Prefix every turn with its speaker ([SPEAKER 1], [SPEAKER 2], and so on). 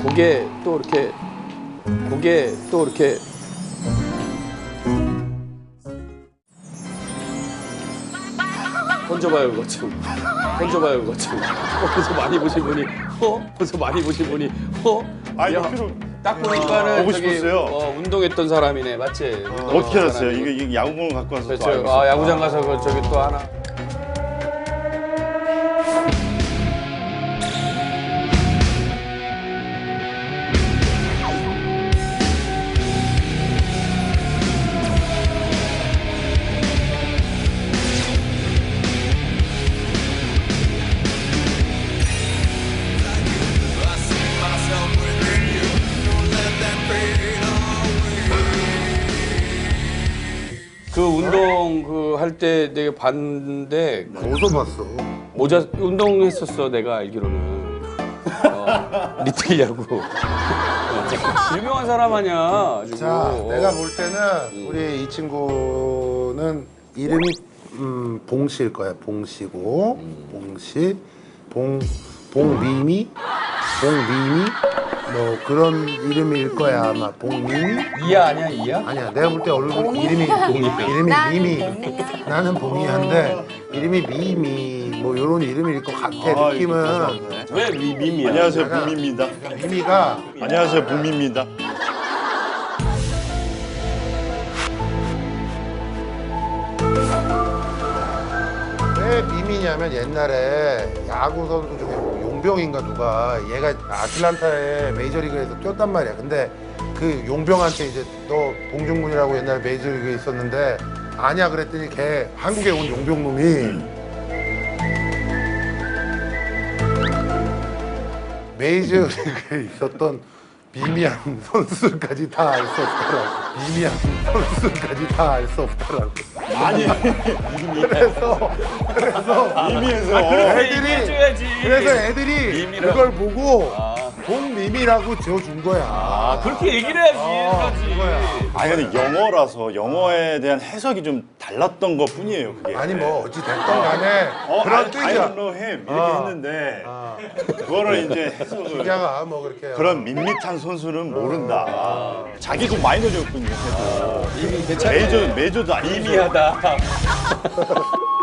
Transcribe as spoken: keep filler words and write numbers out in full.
[SPEAKER 1] 고개 또 이렇게 고개 또 이렇게 던져봐요 그거 좀 던져봐요 그거 좀 어, 벌써 많이 보신 분이 어? 벌써 많이 보신 분이 어?
[SPEAKER 2] 아 이거
[SPEAKER 1] 야,
[SPEAKER 2] 필요
[SPEAKER 1] 딱 보니까는
[SPEAKER 2] 보고
[SPEAKER 1] 저기
[SPEAKER 2] 싶었어요.
[SPEAKER 1] 어, 운동했던 사람이네 맞지? 운동했던
[SPEAKER 2] 어떻게 알았어요?
[SPEAKER 1] 사람이고.
[SPEAKER 2] 이게, 이게 야구공을 갖고 와서 또
[SPEAKER 1] 그렇죠.
[SPEAKER 2] 알고
[SPEAKER 1] 아
[SPEAKER 2] 있었구나.
[SPEAKER 1] 야구장 가서 그 저기 또 하나 그 운동 그 할 때 내가 봤는데
[SPEAKER 3] 어디서 봤어?
[SPEAKER 1] 모자 운동했었어 내가 알기로는 어, 리틀 야구 어, 유명한 사람 아니야 아주.
[SPEAKER 3] 자,
[SPEAKER 1] 어.
[SPEAKER 3] 내가 볼 때는 우리 이 친구는 이름이 음, 봉씨일 거야. 봉씨고, 봉씨, 봉, 봉미미, 봉미미, 뭐 그런 이름일 거야 아마. 봉미미?
[SPEAKER 1] 이야 아니야 이야?
[SPEAKER 3] 아니야, 내가 볼 때 얼굴 이름이 이름이 미미. 나는 봉이한데 이름이 미미, 뭐 이런 이름일 것 같아.
[SPEAKER 2] 아,
[SPEAKER 3] 느낌은.
[SPEAKER 2] 이거
[SPEAKER 1] 왜 미, 미미야?
[SPEAKER 2] 안녕하세요 붐입니다.
[SPEAKER 3] 미미가
[SPEAKER 2] 안녕하세요 붐입니다.
[SPEAKER 3] 왜 미미냐면 옛날에 야구 선수 중에 용병인가 누가 얘가 아틀란타에 메이저리그에서 뛰었단 말이야. 근데 그 용병한테 이제 너 봉중근이라고 옛날에 메이저리그에 있었는데 아냐 그랬더니 걔 한국에 온 용병놈이 메이저리그에 있었던 미미한 선수들까지 다 알 수 없더라고. 미미한 선수들까지 다 알 수 없더라고.
[SPEAKER 2] 아니
[SPEAKER 3] 그래서 그래서
[SPEAKER 2] 미미에서
[SPEAKER 3] 애들이
[SPEAKER 1] 해줘야지.
[SPEAKER 3] 그래서 애들이
[SPEAKER 1] 미미라고.
[SPEAKER 3] 그걸 보고
[SPEAKER 1] 아.
[SPEAKER 3] 봉미미라고 지어준 거야.
[SPEAKER 1] 아 그렇게 얘기를 해야지
[SPEAKER 3] 어,
[SPEAKER 1] 해야지.
[SPEAKER 3] 그거야.
[SPEAKER 2] 아니 근데 영어라서 영어에 대한 해석이 좀 달랐던 것 뿐이에요 그게.
[SPEAKER 3] 아니 뭐 어찌 됐던 간에
[SPEAKER 2] 어,
[SPEAKER 3] 그런
[SPEAKER 2] I, I
[SPEAKER 3] 뜻이야.
[SPEAKER 2] don't know him 이렇게
[SPEAKER 3] 어.
[SPEAKER 2] 했는데
[SPEAKER 3] 아,
[SPEAKER 2] 그거를 이제 해석을
[SPEAKER 3] 기자가 뭐 그렇게
[SPEAKER 2] 그런 밋밋한 선수는 모른다. 자기도 마이너였군요.
[SPEAKER 1] 이미 괜찮아.
[SPEAKER 2] 메이저 메이저도 아니고
[SPEAKER 1] 미미하다.